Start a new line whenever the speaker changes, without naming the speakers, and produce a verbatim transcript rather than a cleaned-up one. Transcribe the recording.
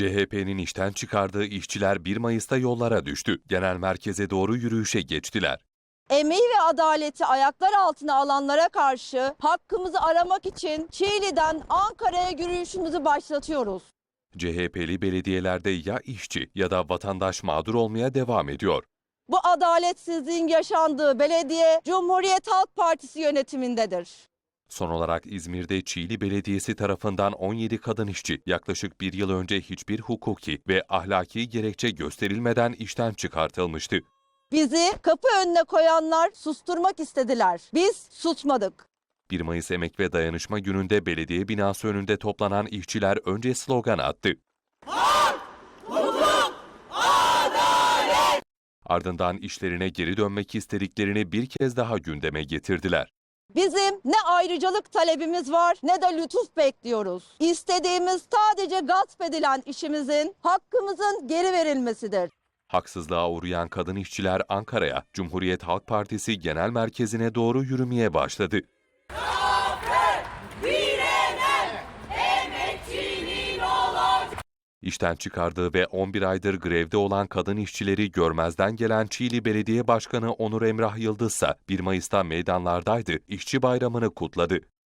C H P'nin işten çıkardığı işçiler bir Mayıs'ta yollara düştü. Genel merkeze doğru yürüyüşe geçtiler.
Emeği ve adaleti ayaklar altına alanlara karşı hakkımızı aramak için Çiğli'den Ankara'ya yürüyüşümüzü başlatıyoruz.
C H P'li belediyelerde ya işçi ya da vatandaş mağdur olmaya devam ediyor.
Bu adaletsizliğin yaşandığı belediye Cumhuriyet Halk Partisi yönetimindedir.
Son olarak İzmir'de Çiğli Belediyesi tarafından on yedi kadın işçi yaklaşık bir yıl önce hiçbir hukuki ve ahlaki gerekçe gösterilmeden işten çıkartılmıştı.
Bizi kapı önüne koyanlar susturmak istediler. Biz susmadık.
bir Mayıs Emek ve Dayanışma Günü'nde belediye binası önünde toplanan işçiler önce slogan attı.
Hak, hukuk, adalet!
Ardından işlerine geri dönmek istediklerini bir kez daha gündeme getirdiler.
Bizim ne ayrıcalık talebimiz var ne de lütuf bekliyoruz. İstediğimiz sadece gasp edilen işimizin, hakkımızın geri verilmesidir.
Haksızlığa uğrayan kadın işçiler Ankara'ya, Cumhuriyet Halk Partisi Genel Merkezi'ne doğru yürümeye başladı. İşten çıkardığı ve on bir aydır grevde olan kadın işçileri görmezden gelen Çiğli Belediye Başkanı Onur Emrah Yıldız ise bir Mayıs'ta meydanlardaydı, işçi bayramını kutladı.